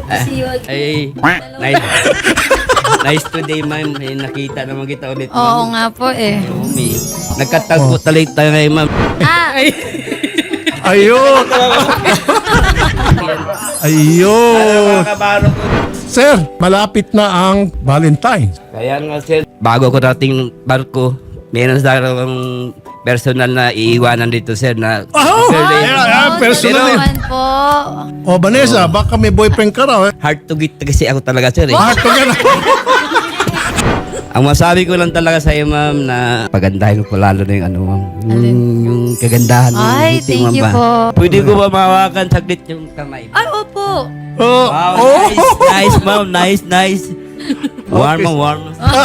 Ay, nice. Nice today, ma'am. Eh, nakita naman kita ulit, Oo ma'am. nga po eh. Umi. Nagkatagpo talit tayo ngayon, ma'am. Ay. Ayun! Ayun! Mga kabaro ko. Sir, malapit na ang Valentine's. Kaya nga, sir, bago ko dating barko, meron sa akong personal na iiwanan dito, sir, na Oh! birthday. Personal Pero- yan. Naman po. O, Vanessa, baka may boyfriend ka raw. Hard to get kasi ako talaga, sir. Eh. Heart to get. Ang masabi ko lang talaga sa iyo, ma'am, na pagandahin mo po lalo na yung ano, ma'am. Yung kagandahan mo. Ay, ngiti, thank ma'am, you ba? po. Pwede ko ba mahawakan saglit yung kamay? Ay, opo. Oh, Wow, oh. nice, ma'am. Nice. Warm, warm.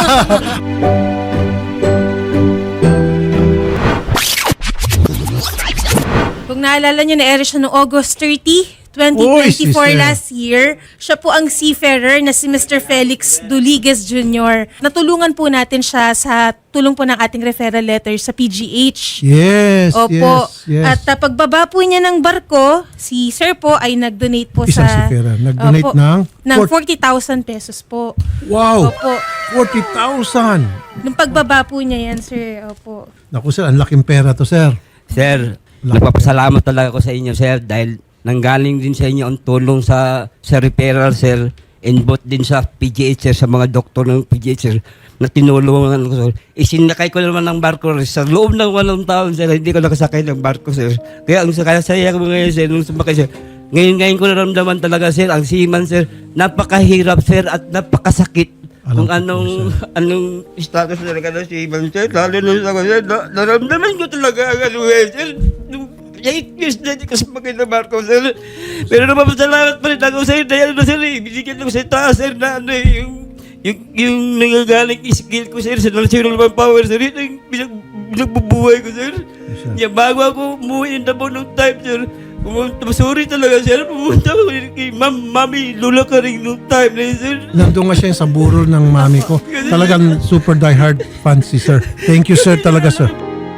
Kung naalala nyo, na-air siya noong August 30, Uy, 2024 sister. last year. Siya po ang seafarer na si Mr. Felix Duliges Jr. Natulungan po natin siya sa tulong po ng ating referral letter sa PGH. Yes, Opo. yes. At pagbaba po niya ng barko, si Sir po ay nag-donate po Isang sa... seafarer. Nag-donate Opo, ng 40,000 pesos po. Wow! Opo. 40,000! Nung pagbaba po niya yan, Sir. Opo. Naku sir, ang laking pera to sir. Sir, nagpapasalamat talaga ako sa inyo, sir, dahil nanggaling din sa inyo ang tulong sa referral, sir, and both din sa PGH, sir, sa mga doktor ng PGH, sir, na tinulungan ko, sir. Isinakay ko naman ng barko, sir, sa loob ng 8 taon, sir, hindi ko nakasakay ng barko, sir. Kaya ang saya ko ngayon, sir, nung sumakay, sir, ngayon ko naramdaman talaga, sir, ang seaman, sir, napakahirap, sir, at napakasakit. Alam Kung ko po, anong status talaga ng seaman, sir, lalo na sa sir, naramdaman ko talaga ang ano, sir, 8 years na hindi kasi magay na barko, sir. Pero napapasalamat pa rin ako, sir, dahil na, sir, binigyan ko sa taas, sir, na ano, yung nangagaling skill ko, sir, sa natural manpower, sir, yung pinagbubuhay ko, sir. Yeah, bago ako umuwi in Davao nung time, sir, sorry talaga, sir, pumunta ako kay Mami, Lula ka rin nung time na yun, sir. Nandun nga siya sa burol ng mami ko. Talagang super diehard fan si sir. Thank you sir talaga sir.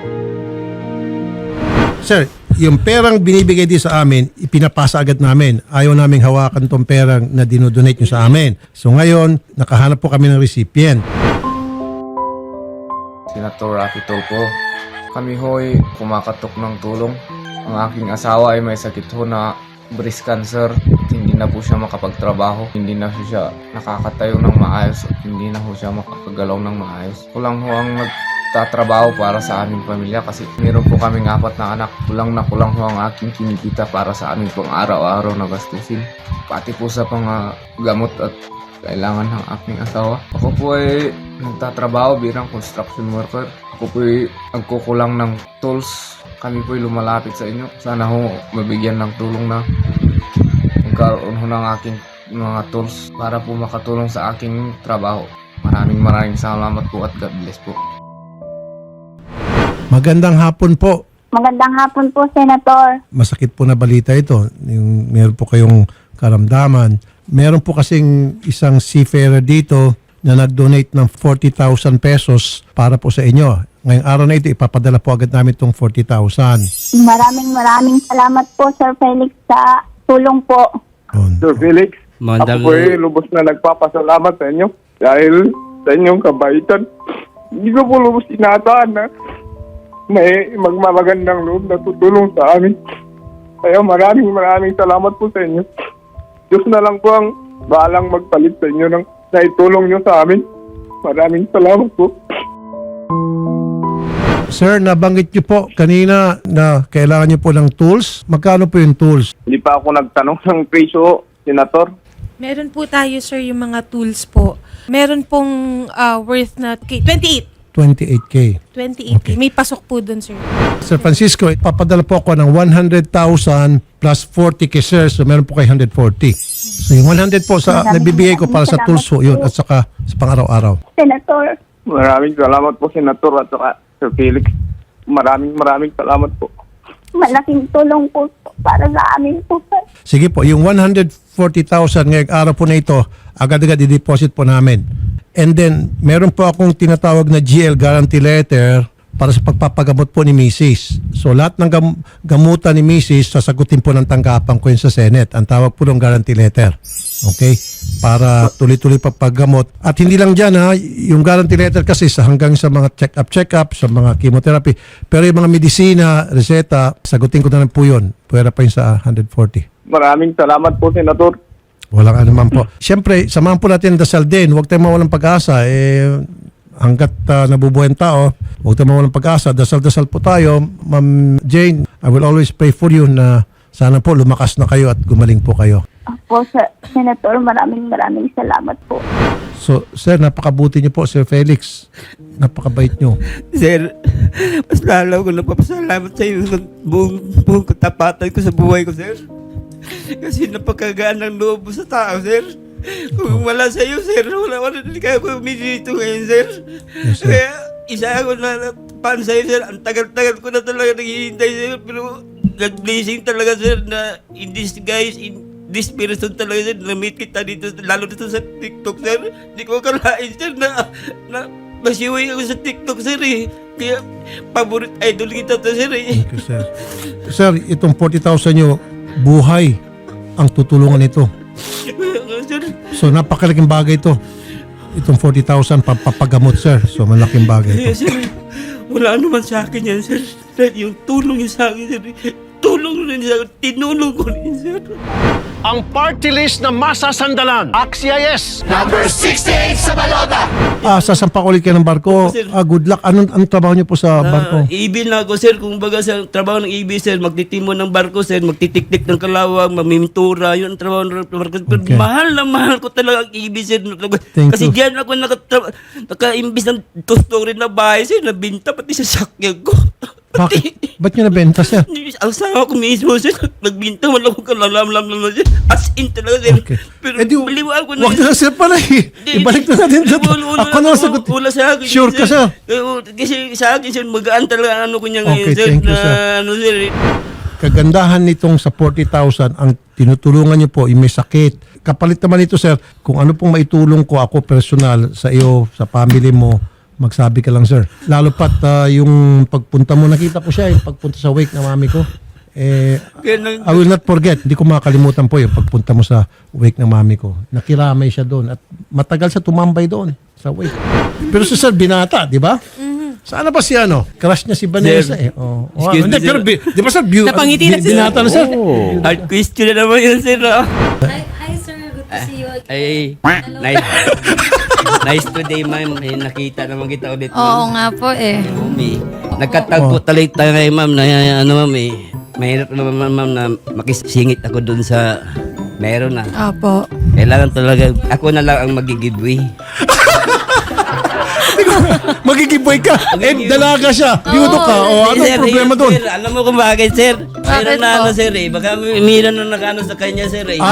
Sir, yung perang binibigay din sa amin, ipinapasa agad namin. Ayaw naming hawakan tong perang na dinodonate nyo sa amin. So ngayon, nakahanap po kami ng recipient. Senator Rafi Tulfo. Kami ho'y kumakatok ng tulong. Ang aking asawa ay may sakit ho na breast cancer. Hindi na po siya makapagtrabaho. Hindi na siya nakakatayo ng maayos. At hindi na ho siya makakagalaw ng maayos. Kulang ho ang nagtatrabaho para sa aming pamilya kasi meron po kaming 4 na anak. Kulang na kulang ho ang aking kinikita para sa aming pang araw-araw na gastusin. Pati po sa pang gamot at kailangan ng aking asawa. Ako po ay nagtatrabaho bilang construction worker. Ako po ay nagkukulang ng tools. Kami po ay lumalapit sa inyo. Sana ho mabigyan ng tulong na magkaroon ho ng aking mga tools para po makatulong sa aking trabaho. Maraming salamat po at God bless po. Magandang hapon po. Magandang hapon po, Senator. Masakit po na balita ito. Yung meron po kayong karamdaman. Meron po kasing isang seafarer dito na nag-donate ng 40,000 pesos para po sa inyo. Ngayong araw na ito, ipapadala po agad namin itong 40,000. Maraming salamat po, Sir Felix, sa tulong po. Sir Felix, Mandang, ako po ay lubos na nagpapasalamat sa inyo dahil sa inyong kabaitan. Hindi ko po lubos inaatahan na may magmamagandang loob na tutulong sa amin. Kaya maraming salamat po sa inyo. Diyos na lang po ang bahalang magpalit sa inyo ng naitulong nyo sa amin. Maraming salamat po. Sir, nabanggit niyo po kanina na kailangan niyo po ng tools. Magkano po yung tools? Hindi pa ako nagtanong ng presyo, Senator. Meron po tayo, Sir, yung mga tools po. Meron pong worth na 28. 28K. 28. Okay. May pasok po dun, Sir. Sir Francisco, papadala po ako ng 100,000 plus 40K, sir. So, meron po kayo 140. So, yung 100 po sa nabibigay ko para sa tools po yun at saka sa pang-araw-araw. Senator, Maraming salamat po, Senator at saka Sir Felix. Maraming salamat po. malaking tulong po para sa amin po, Sir. Sige po, yung 140,000 ngayong araw po na ito, agad-agad i-deposit po namin. And then, meron po akong tinatawag na GL guarantee letter para sa pagpapagamot po ni Mrs. So, lahat ng gamutan ni Mrs. sasagutin po ng tanggapan ko yun sa Senate. Ang tawag po ng guarantee letter. Okay? Para tuloy-tuloy pa paggamot. At hindi lang dyan ha, yung guarantee letter kasi hanggang sa mga check-up, sa mga chemotherapy. Pero yung mga medisina, reseta, sagutin ko na lang po yun. Pwera pa yun sa 140. Maraming salamat po, Senator. Walang anuman po. Siyempre, samahan po natin ang dasal din. Huwag tayong mawalang pag-asa. Hanggat nabubuhay ang tao, huwag tayong mawalang pag-asa. Dasal-dasal po tayo. Ma'am Jane, I will always pray for you na sana po lumakas na kayo at gumaling po kayo. Po, Senator, maraming salamat po. So, sir, napakabuti niyo po, Sir Felix. Napakabait niyo. Sir, mas lalo ko napapasalamat sa iyo sa buong katapatan ko sa buhay ko, sir. Kasi napakagaan ng loob mo sa tao, sir. Kung wala sa iyo, sir, wala hindi kaya ko dito ngayon, sir. Yes, sir. Kaya isa ako na pan sa iyo, sir. Ang tagal-tagal ko na talaga naghihintay, sir. Pero nag-blessing talaga, sir, na in disguise, this person talaga, sir, na-meet kita dito, lalo dito sa TikTok, sir. Hindi ko akalain, sir, na masiway ako sa TikTok, sir, eh. Kaya, favorite idol kita to, sir, eh. Thank you, sir. Sir, itong 40,000 niyo, buhay ang tutulungan nito. Sir, So, napakalaking bagay ito. Itong 40,000 papagamot, sir. So, malaking bagay kaya, ito. sir, wala naman sa akin yan, sir. Yung tulong niya sa akin, sir, tulong rin sa akin, tinulong ko rin, sir. Ang party list na masasandalan. Axia yes! Sasampa ko ulit kayo ng barko. Sir. Good luck. Anong trabaho niyo po sa barko? EB na ako, sir. Kung baga sa trabaho ng EB, sir, magtitimo ng barko, sir, magtitiktik ng kalawang, mamimintura, yun ang trabaho ng barko. Pero Okay. mahal na mahal ko talaga ang EB, sir. Thank Kasi you. diyan ako naka-imbis ng two-story na bahay, sir, nabinta pati sa sakyan ko. Bakit? Ba't niyo nabenta, sir? Ang sama ko mismo, sir, nagbinta, wala akong kalalam-lam naman, sir. As in talaga, sir. Okay. Pero baliwaan ko na. Wag na, sir, pala eh. Ibalik na natin sa ako na sagot. Wala sa akin. Sure ka, sir? Kasi sa akin, sir, magaan talaga ang ano ko niya ngayon, Okay, sir. thank you, na, sir. Ano, sir. Kagandahan nitong sa 40,000, ang tinutulungan niyo po, yung may sakit. Kapalit naman ito, sir, kung ano pong maitulong ko ako personal sa iyo, sa family mo, magsabi ka lang, sir. Lalo pat yung pagpunta mo, nakita ko siya, yung pagpunta sa wake ng mami ko. Kaya nang, I will not forget. Hindi ko makakalimutan po yung pagpunta mo sa wake ng mami ko. Nakiramay siya doon at matagal siya tumambay doon sa wake. Pero si sir, binata, di ba? Sana ba si ano? Crush niya si Vanessa Sir, eh. Oh. excuse Hindi, me, sir. pero di ba sir, Napangiti na si binata na sir. hard question na naman yun, sir. ah. Hi, sir. Good to see you again. Ay, nice today, ma'am. Eh, nakita naman kita ulit, Oo ma'am. nga po eh. Mami, nagkatagpo talaga tayo ngayon, ma'am, na ano, ma'am, eh. Mahirap naman, ma'am, na makisingit ako dun sa meron na. Opo. Kailangan talaga, ako na lang ang magigiveaway. Magigiboy ka. Dalaga siya. Biudo ka. O ano Sir, problema yun, doon? Sir, alam mo kung bakit, sir? Mayroon na po? ano, sir, eh. Baka mayroon na nakano sa kanya, sir, eh.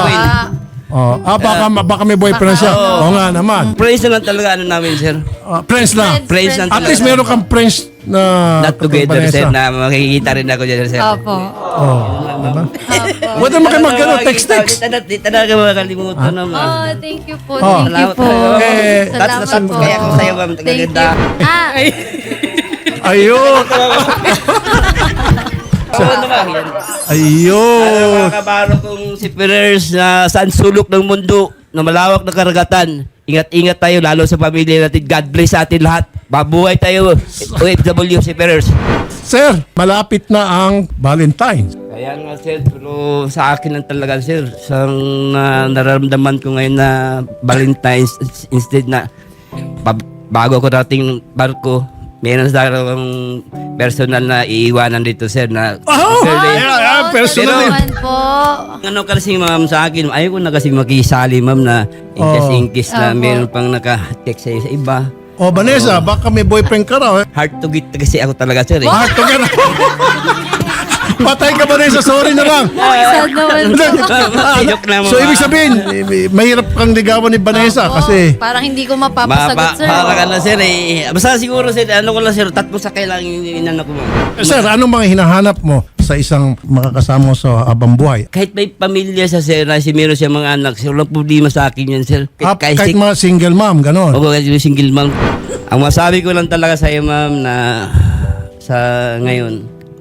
Baka may boyfriend siya. Oo nga naman. Praise na lang talaga ano namin, sir. Friends lang. Praise lang At talaga. least meron kang friends na Not together, sir, na makikita rin ako dyan, sir. Opo. Diba? Opo. Huwag naman kayo mag-ano, text. Di talaga makakalimutan naman. Oh, thank you po. Oh. Thank you po. That's Salamat po. kaya ako sa'yo, ma'am. Thank Tagaganda. you. Ayun. Oo naman, yan. Ayun. Mga kabaro kong si Perez na saan sulok ng mundo na malawak na karagatan. Ingat-ingat tayo lalo sa pamilya natin. God bless sa atin lahat. Mabuhay tayo. OFW si Perez. Sir, malapit na ang Valentine's. Kaya nga sir, pero sa akin lang talaga sir. Sa nararamdaman ko ngayon na Valentine's instead na bago ko dating barko, meron sa akong personal na iiwanan dito sir na Personal. Naman po. ano kasi ma'am sa akin, ayaw ko na kasi makisali ma'am na ingkes na meron pang naka-text sa'yo sa iba. O Vanessa, baka may boyfriend ka raw. Hard to get kasi ako talaga sir eh. Heart to get. Patay ka Vanessa, sorry na lang. Sad naman po. Joke lang So ibig sabihin, mahirap kang ligawan ni Vanessa Opo. kasi Parang hindi ko mapapasagot, sir. Para ka na sir eh. Basta siguro sir, ano ko lang sir, tatlo sa kailangan inano ko ma'am. Sir, anong mga hinahanap mo sa isang makakasama mo sa habang buhay? Kahit may pamilya sa sir, na si meron siya mga anak, sir, walang problema sa akin yan sir. Kahit mga single mom, gano'n. Oo, kasi yung single mom. Ang masabi ko lang talaga sa iyo, ma'am, na sa ngayon,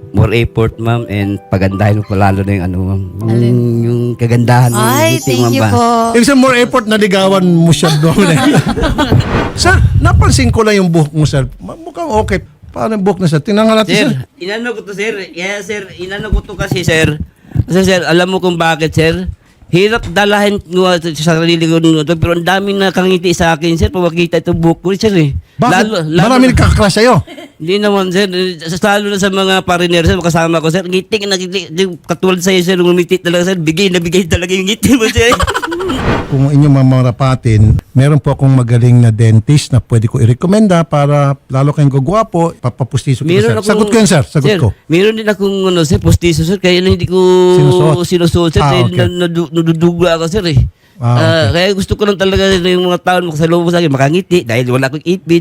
more effort, ma'am, and pagandahin mo pa lalo na yung ano, ma'am. Yung kagandahan ng Ay, ngiti, thank ma'am you ba? po. Ibig sabihin, more effort na ligawan mo siya doon. Sir, napansin ko lang yung buhok mo, sir. Mukhang okay. Paano yung buhok na, sir? Tingnan nga natin, sir. Sir, inano ko to, sir. Yeah, sir, inano ko to kasi, sir. Kasi, sir, alam mo kung bakit, sir? Hirap dalahin ko sa sarili ko nito, pero ang dami na kangiti sa akin, sir, pag makita itong buhok ko, sir, eh. Bakit? Marami nagkakaklas sa'yo. Hindi naman, sir. Lalo na sa mga pariner, sir, kasama ko, sir. Ngiti, katulad sa'yo, sir, ngumiti talaga, sir. Bigay na bigay talaga yung ngiti mo, sir. Kung inyong mamarapatin, meron po akong magaling na dentist na pwede ko i-recommenda para lalo kayong gugwapo, papapustiso ko, sir. Sagot ko yun, sir. Sagot ko. Meron din akong, ano, sir, postiso, sir. Kaya lang hindi ko sinusuot, sir. Dahil okay. nadudugla ako, sir, eh. Okay. Kaya gusto ko lang talaga yung mga tao makasalubong sa akin, makangiti dahil wala akong ipin.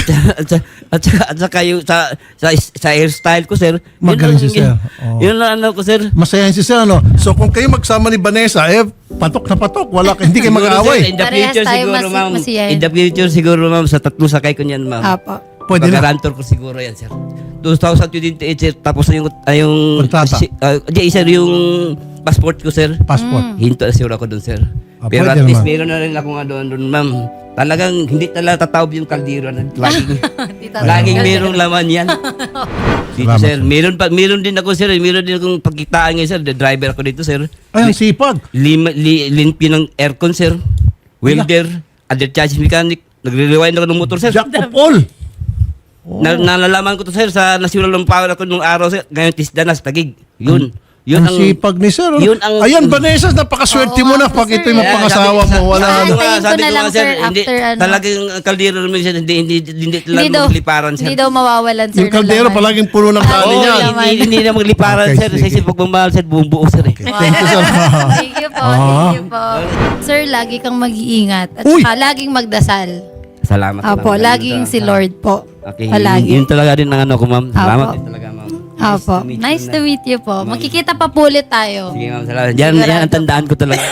at saka yung sa hairstyle ko, sir. Magaling si sir. Oh. Yun lang ano ko, sir. Masayahin si sir, ano? So kung kayo magsama ni Vanessa, patok na patok. Hindi kayo Siguro, sir, mag-aaway. in the Parehas future tayo siguro, ma'am. masiyahin. In the future siguro, ma'am, sa tatlo sakay ko niyan, ma'am. Apo. Pwede na. Pagkarantor ko siguro yan, sir. 2028, sir. Tapos na yung Kontrata. Sir, yung passport ko, sir. Passport. Hinto na siguro ako doon, sir. Pero pwede at least naman. meron na rin ako nga doon, ma'am. Talagang hindi talaga tataob yung kaldero na laging merong laman yan. Dito, Salamat, sir. Meron din ako, sir. Meron din akong pagkitaan ngayon, sir. The driver ako dito, sir. Ay, ang sipag. Limpyo ng aircon, sir. Welder. Under charge mechanic. Nagre-rewind ako ng motor, sir. Jack of all. Nalalaman ko to, sir, sa national ng power ako nung araw, sir. Ngayon, tisda na sa Tagig. Yun Ang sipag ni sir. yun ang- Ayan, Vanessa, napakaswerte mo na pag ito'y mapangasawa mo. Wala Sabi na. ko Sabi na ko lang, nga, sir, hindi, after ano. talagang kaldero naman siya, hindi Hindi lang daw, magliparan, sir. hindi daw mawawalan, sir. Yung kaldero, ng laman. palaging puno ng kanin Oo, yan. naman. hindi na magliparan, Okay, sir. sige. Kasi pag mamahal, sir, buong buo, sir. Eh. Thank you, sir. Thank you po, thank you po. Sir, lagi kang mag-iingat. At Uy! saka laging magdasal. Salamat. Apo, ma'am. laging si Lord po. Okay, Palagi. yun talaga din ang ano ko, ma'am. Salamat Apo. din talaga, ma'am. Apo, nice to meet you po. Magkikita pa po ulit tayo. Sige, ma'am. Salamat. Yan ang tandaan ko talaga.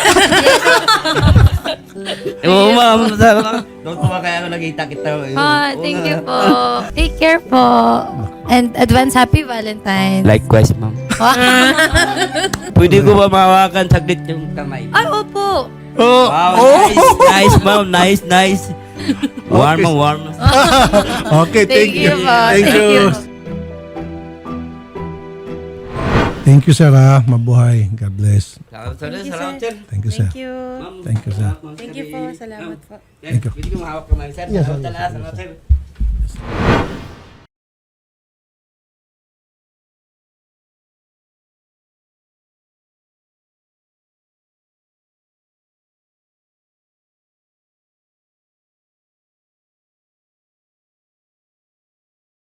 Oo, ma'am. Doon ko ba kaya ako nakita kita? Thank you po. Take care po. And advance happy Valentine. Likewise, ma'am. Pwede ko ba mahawakan saglit yung kamay? Ay, opo. Oh, Wow, nice, ma'am. Nice. Warm, warm. okay, thank you. po. Thank you. Thank you, sir. Mabuhay. God bless. Salamat, sir. Thank you, sir. Thank you. Thank you, sir. Thank you po. Salamat po. Thank you. Pwede ko mahawak kamay, sir. Salamat, sir.